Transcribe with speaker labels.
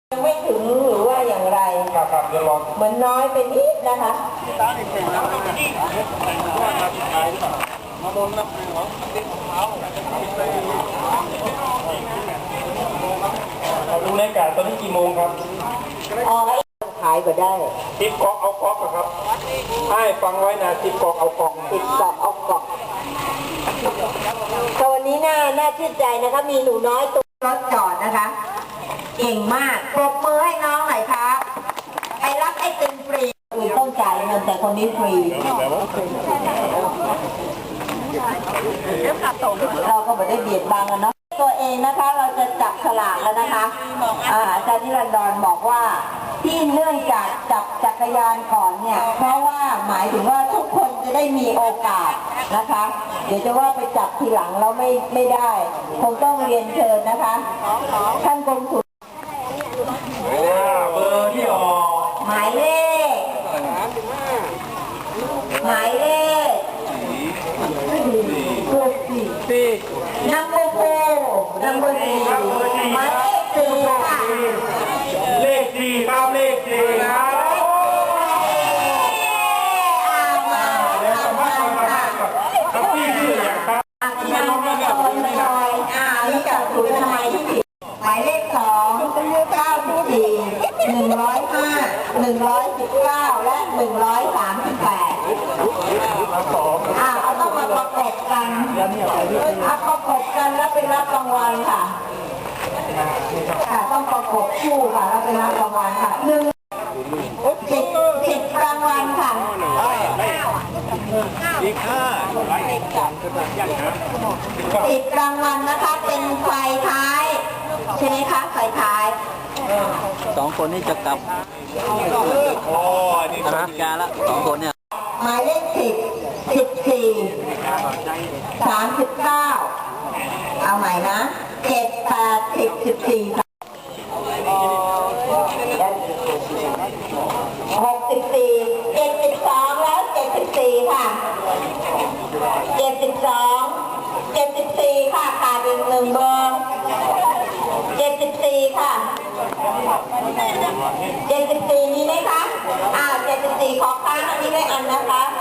Speaker 1: ยังไม่ถึงหรือว่าอย่างไร
Speaker 2: ครับเดี๋ยวรอ
Speaker 1: เหมือนน้อยไปนิดนะคะ
Speaker 2: ดูในการตอนนี้กี่โมงครับ
Speaker 1: อ๋อขายก็ได้
Speaker 2: ติดกอกเอากอกครับให้ฟังไว้นะติดกอกเอากอก
Speaker 1: ติดกอกเอากอกตอนนี้น่าชื่นใจนะคะมีหนูน้อยตัวรถจอดนะคะเก่งมากปรบมือให้น้องหน่อยครับไปรับไอติมฟรีอื่นต้องจ่ายเงินแต่คนนี้ฟรีเราก็ไม่ได้เบียดบังกันเนาะตัวเองนะคะเราจะจับฉลากแล้วนะคะอาจารย์นิรันดรบอกว่าที่เนื่องจากจับจักรยานก่อนเนี่ยเพราะว่าหมายถึงว่าทุกคนจะได้มีโอกาสนะคะเดี๋ยวจะว่าไปจับทีหลังแล้วไม่ได้คงต้องเรียนเชิญนะคะท่านกรมศุล
Speaker 2: เบอร์ที่ออก
Speaker 1: หมายเลขนัมเบอร์สี่หมายเลขสี่ค่ะ
Speaker 2: เลขสี่ครับเลขสี่ครับครับพี่ชื่ออย่างครับ
Speaker 1: นี่จากศูนย์ทำไมที่ผิดหมายเลข2 94 105 119และ138เอาต้องมาประกบกันประกบกันแล้วไปรับรางวัลค่ะต้องประกบคู่ค่ะแล้วไปรับรางวัลค่ะ10รางวัลค่ะ
Speaker 2: อีก
Speaker 1: 10รางวัลนะคะเป็นไฟท้ายใช่ไหมคะไฟท้าย
Speaker 3: 2 คนนี่จะกลับอเมริกาละ2 คนเนี่ย
Speaker 1: หมายเลข10 14 39เอาใหม่นะ7 8 10 14 64 72แล้ว74ค่ะ74ค่ะขาดอีก1เบอร์74ค่ะ74มีไหมคะ74ขอค้างอันนี้ได้อันนะคะ